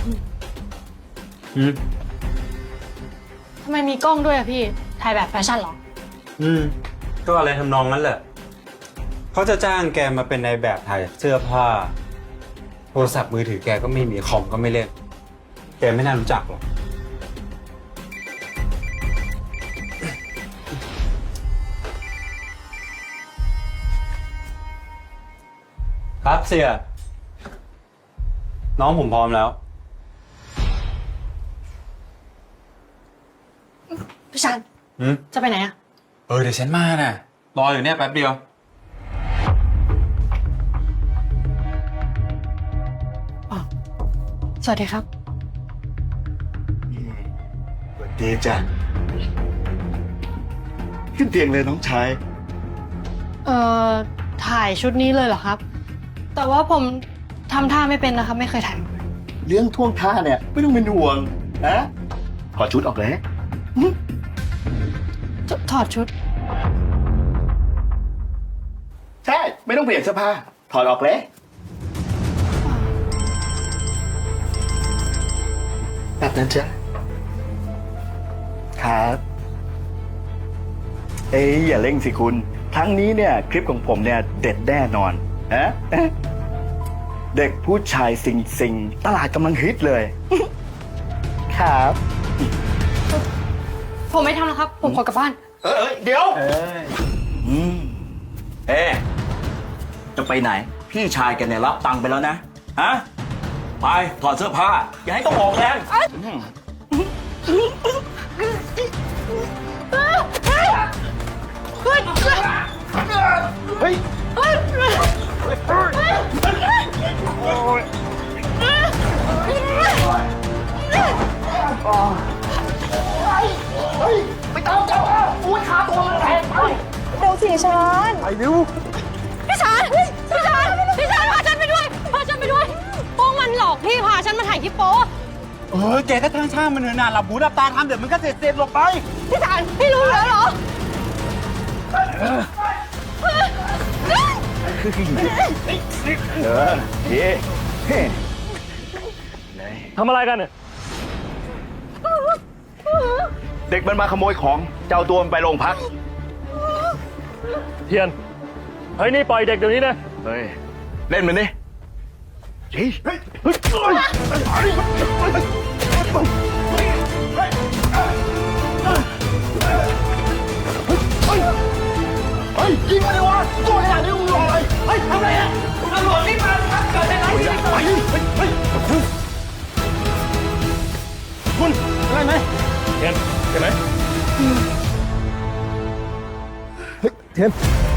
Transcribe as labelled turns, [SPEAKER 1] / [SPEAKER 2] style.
[SPEAKER 1] ทำไมมีกล้องด้วยอะพี่ ถ่ายแบบแฟชั่นเหรอ
[SPEAKER 2] ก็อะไรทำนองนั้นแหละเขาจะจ้างแกมาเป็นนายแบบถ่ายเสื้อผ้าโทรศัพท์มือถือแกก็ไม่มีคอมก็ไม่เล่นแกไม่น่ารู้จักหรอกครับเสียน้องผมพร้อมแล้ว
[SPEAKER 1] พี่ชันจะไปไหนอะ
[SPEAKER 2] เดี๋ยวฉันมาน่ะรออยู่เนี่ยแป๊บเดียว
[SPEAKER 1] สวัสดีครับ
[SPEAKER 3] สวัสดีจ้ะขึ้นเตียงเลยน้องชาย
[SPEAKER 1] ถ่ายชุดนี้เลยเหรอครับ แต่ว่าผมทำท่าไม่เป็นนะครับ ไม่เคยถ่ายมาก่อน
[SPEAKER 3] เรื่องท่วงท่าเนี่ยไม่ต้องเป็นห่วงนะถอดชุดออกเลย
[SPEAKER 1] ถอดชุด
[SPEAKER 3] ใช่ไม่ต้องเปลี่ยนเสื้อผ้าถอดออกเลยแบบนั้นจ้ะครับอย่าเร่งสิคุณครั้งนี้เนี่ยคลิปของผมเนี่ยเด็ดแน่นอนฮะเด็กผู้ชายสิงตลาดกำลังฮิตเลย ครับ
[SPEAKER 1] ผมไม่ทำแล้วครับ ผมขอกลับบ้าน
[SPEAKER 3] เดี๋ยวจะไปไหน พี่ชายแกเนี่ยรับตังค์ไปแล้วนะฮะไปถอดเสื้อผ้าอย่าให้ต้องออกแรงเฮ้ยไปตามเจ้าอุ้ยขาตัวมันแตกไป
[SPEAKER 4] เดี๋ยวสิฉัน
[SPEAKER 3] ไปเร็ว
[SPEAKER 1] พี่ชันพาฉันไปด้วย พาฉันไปด้วย พวกมันหลอกพี่พาฉันมาถ่ายคลิปโป๊
[SPEAKER 2] แกก็ทั้งช่างมันเถอะนะหลับหูหลับตาทำเดี๋ยวมันก็เสร็จหลบไป
[SPEAKER 1] พี่ชันพี่รู้แล้วเหรอ
[SPEAKER 3] เฮ้ทำอะไรกันเนี่ยเด็กมันมาขโมยของเจ้าตัวมันไปโรงพัก
[SPEAKER 5] เทียน เฮ้ย นี่ปล่อยเด็กเดี๋ยวนี้นะ
[SPEAKER 3] เฮ้ย เล่นมันดิเฮ้ยเฮ้ยเฮ้ยยิงมาเลยวะตัวขนาดนี้มึงรออะไรเฮ้ยทำอะไรอ่ะตำรวจนี่มาครับเกิดอะไรขึ้นเฮ้ยคุณอะไรไหม
[SPEAKER 5] เทียนใช่ไหม
[SPEAKER 3] เฮ้ยเทียน